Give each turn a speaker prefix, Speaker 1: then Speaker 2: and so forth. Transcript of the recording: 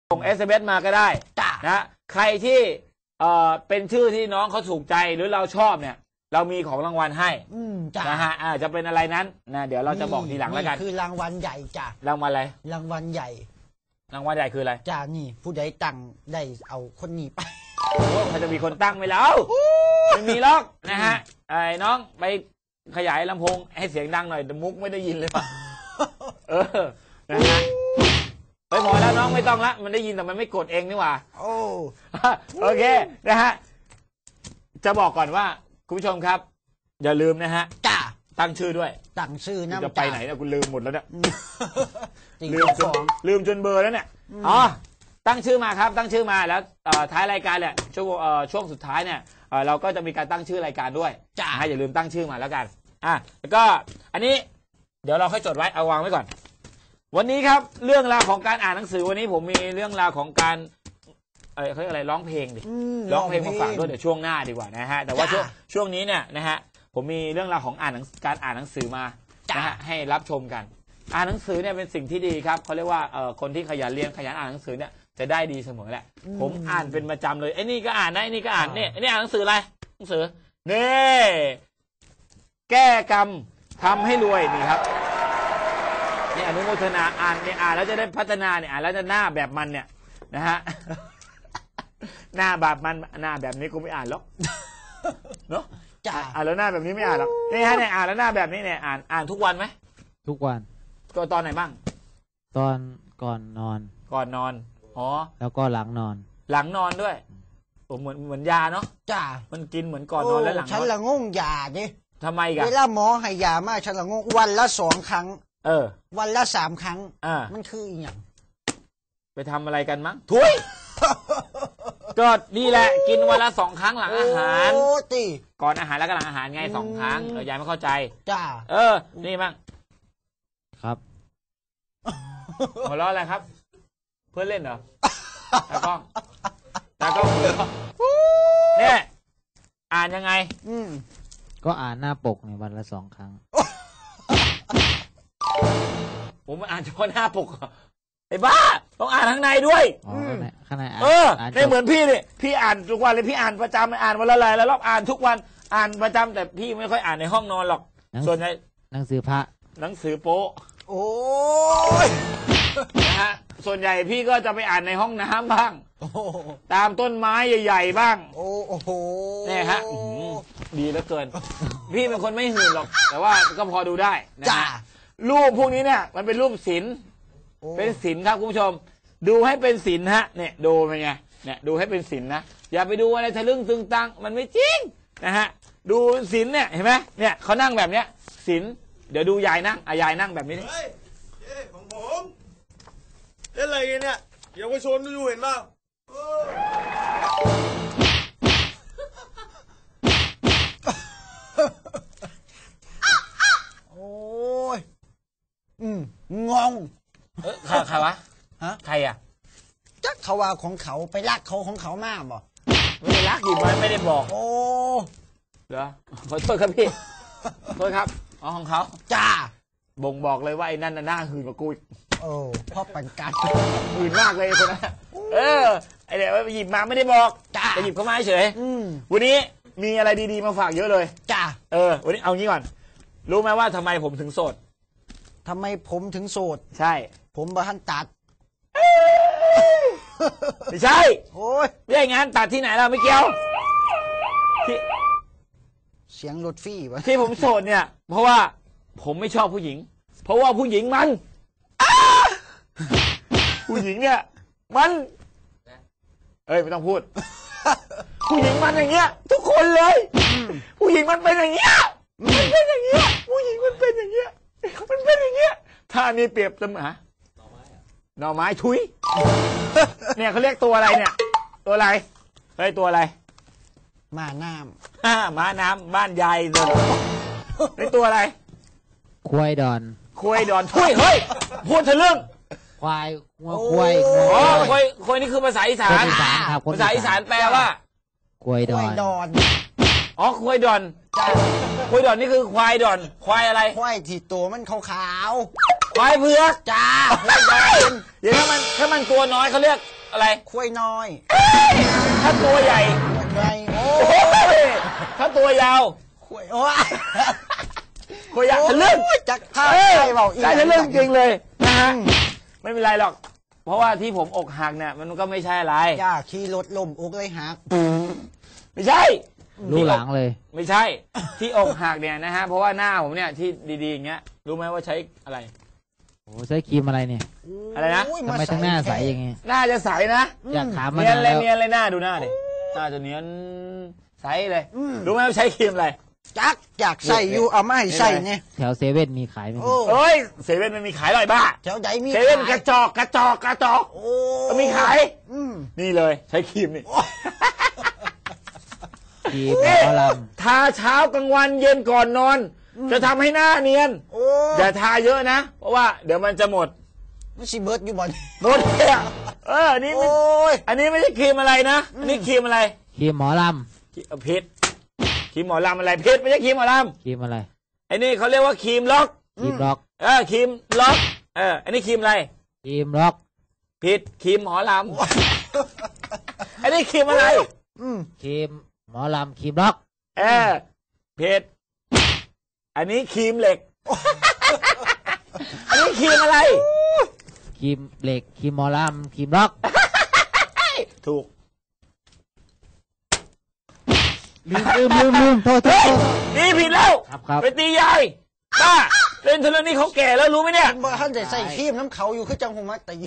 Speaker 1: ส่ง SMS มาก็ได้นะใครที่เป็นชื่อที่น้องเขาถูกใจหรือเราชอบเนี่ยเรามีของรางวัลให้นะฮะจะเป็นอะไรนั้นนะเดี๋ยวเราจะบอกทีหลังแล้วกัน
Speaker 2: คือรางวัลใหญ่จ้ะ
Speaker 1: รางวัลอะไร
Speaker 2: รางวัลใหญ่
Speaker 1: รางวัลใหญ่คืออะไร
Speaker 2: จ้านี่ผู้ใดตั้งได้เอาคนนี้ไป
Speaker 1: โอ้เขาจะมีคนตั้งไหมแล้วไม่มีหรอกนะฮะไอ้น้องไปขยายลำโพงให้เสียงดังหน่อยแต่มุกไม่ได้ยินเลยป่ะนะฮะไปพอแล้วน้องไม่ต้องละมันได้ยินแต่มันไม่กดเองนี่หว่าโอเคนะฮะจะบอกก่อนว่าคุณผู้ชมครับอย่าลืมนะฮะตั้งชื่อด้วย
Speaker 2: ตั้งชื่อนะ
Speaker 1: จะไปไหนนะคุณลืมหมดแล้วเนี่ยลืมจนเบอร์แล้วเนี่ยอ๋อตั้งชื่อมาครับตั้งชื่อมาแล้วท้ายรายการเนี่ยช่วงสุดท้ายเนี่ยเราก็จะมีการตั้งชื่อรายการด้วยอย่าลืมตั้งชื่อมาแล้วกันแล้วก็อันนี้เดี๋ยวเราค่อยจดไว้เอาวางไว้ก่อนวันนี้ครับเรื่องราวของการอ่านหนังสือวันนี้ผมมีเรื่องราวของการเขาเรียกอะไรร้องเพลงดิร้องเพลงมาฝากด้วยเดี๋ยวช่วงหน้าดีกว่านะฮะแต่ว่าช่วงนี้เนี่ยนะฮะผมมีเรื่องราวของการอ่านหนังสือมานะฮะให้รับชมกันอ่านหนังสือเนี่ยเป็นสิ่งที่ดีครับเขาเรียกว่าคนที่ขยันเรียนขยันอ่านหนังสือเนี่ยจะได้ดีเสมอแหละผมอ่านเป็นประจำเลยไอ้นี่ก็อ่านนะไอ้นี่ก็อ่านเนี่ยไอ้นี่อ่านหนังสืออะไรหนังสือนี่แก้กรรมทำให้รวยนี่ครับนี่อนุโมทนาอ่านเนี่ยอ่านแล้วจะได้พัฒนาเนี่ยอ่านแล้วจะหน้าแบบมันเนี่ยนะฮะหน้าแบบมันหน้าแบบนี้กูไม่อ่านหรอกเนาะอ่านแล้วหน้าแบบนี้ไม่อ่านหรอกนี่ฮะเนี่ยอ่านแล้วหน้าแบบนี้เนี่ยอ่านทุกวันไหม
Speaker 3: ทุกวัน
Speaker 1: ก็ตอนไหนบ้าง
Speaker 3: ตอนก่อนนอน
Speaker 1: อ๋อ
Speaker 3: แล้วก็หลังนอน
Speaker 1: ด้วยผมเหมือนยาเนาะมันกินเหมือนก่อนนอนและหลังนอน
Speaker 2: ฉันละงงยาดิ
Speaker 1: ทำไมกัน
Speaker 2: เวลาหมอให้ยามาฉันละงงวันละ2 ครั้งวันละ3 ครั้งมันคืออีหยัง
Speaker 1: ไปทำอะไรกันมั้งถุยก็นี่แหละกินวันละ2 ครั้งหลังอาหารก่อนอาหารแล้วก็หลังอาหารไง2 ครั้งยายไม่เข้าใจนี่มั้ง
Speaker 3: ครับ
Speaker 1: หัวเราะอะไรครับเพื่อนเล่นเหรอตากล้องหัวเราะเนี่ยอ่านยังไง
Speaker 3: ก็อ่านหน้าปกในวันละ2 ครั้ง
Speaker 1: ผมอ่านเฉพาะหน้าปกไอ้บ้าต้องอ่านข้างในด้วย
Speaker 3: ข้างใน
Speaker 1: ไม่เหมือนพี่นี่พี่อ่านทุกวันเลยพี่อ่านประจำอ่านวันละหลายรอบอ่านทุกวันอ่านประจำแต่พี่ไม่ค่อยอ่านในห้องนอนหรอกส่วนใหญ่
Speaker 3: หนังสือพระ
Speaker 1: หนังสือโป๊
Speaker 2: โอ้ย
Speaker 1: นะฮะส่วนใหญ่พี่ก็จะไปอ่านในห้องน้ำบ้างตามต้นไม้ใหญ่ๆบ้าง
Speaker 2: โอ้โห
Speaker 1: เนี่ยฮะดีเหลือเกินพี่เป็นคนไม่หื่นหรอกแต่ว่าก็พอดูได้นะรูปพวกนี้เนี่ยมันเป็นรูปศิลป์เป็นศิลป์ครับคุณผู้ชมดูให้เป็นศิลป์ฮะเนี่ยดูเป็นไงเนี่ยดูให้เป็นศิลป์นะอย่าไปดูอะไรทะลึ่งตึงตังมันไม่จริงนะฮะดูศิลป์เนี่ยเห็นไหมเนี่ยเขานั่งแบบเนี้ยศิลป์เดี๋ยวดูยายนั่งยายนั่งแบบนี้
Speaker 4: เฮ้ยของผมเล่นอะไรกันเนี่ยเยาวชนดูเห็นป่ะ
Speaker 2: โอ้ยงง
Speaker 1: ใครวะใครอ่ะ
Speaker 2: จักเขาว่าของเขาไปรักเขาของเขามากบ่
Speaker 1: ไม่ได้รักอยู่มันไม่ได้บอก
Speaker 2: โอ้
Speaker 1: เหรอขอโทษครับพี่โทษครับของเขาบ่งบอกเลยว่าไอ้นั่นน่าหื่นกว่ากู
Speaker 2: พ่อปันกัน
Speaker 1: หื่นมากเลยคนนั้นไอเดี๋ยวหยิบมาไม่ได้บอกจะหยิบเข้ามาเฉยวันนี้มีอะไรดีๆมาฝากเยอะเลยวันนี้เอางี้ก่อนรู้ไหมว่าทำไมผมถึงโสด
Speaker 2: ทำไมผมถึงโสด
Speaker 1: ใช่
Speaker 2: ผมบ้านตัด
Speaker 1: ไม่ใช่
Speaker 2: โอ้ย
Speaker 1: ไม่ใช่งานตัดที่ไหนเราไม่เกี่ยว
Speaker 2: เสียงรถฟี่วะ
Speaker 1: ที่ผมโสดเนี่ยเพราะว่าผมไม่ชอบผู้หญิงเพราะว่าผู้หญิงมันผู้หญิงเนี่ยมันไม่ต้องพูดผู้หญิงมันอย่างเงี้ยทุกคนเลยผู้หญิงมันเป็นอย่างเงี้ยมันเป็นอย่างเงี้ยผู้หญิงมันเป็นอย่างเงี้ยมันเป็นอย่างเงี้ยถ้านี่เปรียบเสมอหน่อไม้ทุยเนี่ยเขาเรียกตัวอะไรเนี่ยตัวอะไรตัวอะไร
Speaker 2: ม้าน้
Speaker 1: ำม้าน้ำบ้านยายเลยนี่ตัวอะไร
Speaker 3: ควายดอน
Speaker 1: ทุยเฮ้ยพูดถึงเรื่อง
Speaker 3: ควาย
Speaker 1: ควายนี่คือภาษาอีสานภาษาอีสานแปลว่า
Speaker 3: ควายดอน
Speaker 1: ควายดอนนี่คือควายดอนควายอะไร
Speaker 2: ควายที่ตัวมันขาว
Speaker 1: ควายเผือก
Speaker 2: ควายดอน
Speaker 1: อย่างถ้ามันตัวน้อยเขาเรียกอะไร
Speaker 2: ควายน้อย
Speaker 1: ถ้าตัวใหญ่
Speaker 2: ไงโอ้
Speaker 1: โอ้ยถ้าตัวยาว
Speaker 2: ควายโอ้ย
Speaker 1: ตัวยาวทะลึ่ง
Speaker 2: จักท่า
Speaker 1: เออ
Speaker 2: ใช่เปล่าอีก
Speaker 1: ได้ทะลึ่งจริงเลยนะฮะไม่เป็นไรหรอก เพราะว่าที่ผมอกหักเนี่ยมันก็ไม่ใช่อะไร
Speaker 2: ย่าขี่รถล้มอกเลยหัก
Speaker 1: ไม่ใช่
Speaker 3: รู้หลังเลย
Speaker 1: ไม่ใช่ ที่อกหักเนี่ยนะฮะเพราะว่าหน้าผมเนี่ยที่ดีๆอย่างเงี้ยรู้ไหมว่าใช้อะไร
Speaker 3: โอ้ใช้ครีมอะไรเนี่ย
Speaker 1: อะไรนะ
Speaker 2: โย
Speaker 3: ทำไมทั้งหน้าใสอย่างงี้
Speaker 1: หน้าจะใสนะ
Speaker 3: อยากถามมา
Speaker 1: เนียน
Speaker 3: นาน
Speaker 1: เลย
Speaker 3: แล้ว
Speaker 1: เนียนเลยหน้าดูหน้าดิหน้าจะเนียนใสเลยรู้ไหมว่าใช้ครีมอะไร
Speaker 2: จักอยากใส่อยู่เอามาให้ใส่เนี่ย
Speaker 3: แถวเซเว่นมีขายไหม
Speaker 2: โอ้
Speaker 1: เอ้ยเซเว่นมันมีขายหรอยบ้า
Speaker 2: แถวใหญ่มี
Speaker 1: เซเว่นก
Speaker 2: ขา
Speaker 1: ระ
Speaker 2: ย
Speaker 1: จอกกระจอกกระจอก
Speaker 2: โอ้
Speaker 1: มันมีขาย
Speaker 2: อืม
Speaker 1: นี่เลยใช้ครีมนี่
Speaker 3: ครีมหม
Speaker 1: นี่
Speaker 3: อล
Speaker 1: ทาเช้ากลางวันเย็นก่อนนอน จะทำให้หน้าเนียน
Speaker 2: โอ้
Speaker 1: อย่าทาเยอะนะ เพราะว่าเดี๋ยวมันจะหมด
Speaker 2: มันสิเบิร์ดอยู่บ่อน
Speaker 1: หมดเลยอะนี่
Speaker 2: โอ้ย
Speaker 1: อันนี้ไม่ใช่ครีมอะไรนะอันนี้ครีมอะไร
Speaker 3: ำครีมหมอล
Speaker 1: พิษครีมหมอลำอะไรพิษไม่ใช่ครีมหมอล
Speaker 3: ำครีมอะไร
Speaker 1: ำไอ้นี่เขาเรียกว่าครีมล็อก
Speaker 3: ครีมล็อก
Speaker 1: ครีมล็อกอันนี้ครีมอะไร
Speaker 3: ครีมล็อก
Speaker 1: พิษครีมหมอลำอันนี้ครีมอะไร
Speaker 3: ครีมหมอลำครีมล็อก
Speaker 1: พิษอันนี้ครีมเหล็ก อันนี้ครีมอะไร
Speaker 3: ครีมเหล็กครีมหมอลำครีมล็อก
Speaker 1: ถูก
Speaker 3: ลืมโทษ
Speaker 1: นี่ผิดแล้ว
Speaker 3: ครับ
Speaker 1: ไปตียายป้าเล่นเทเลนี่เขาแก่แล้วรู้ไหมเนี่ย
Speaker 2: บ่ท่านจะใส่ครีมน้ำเขาอยู่คือจังหงมาตี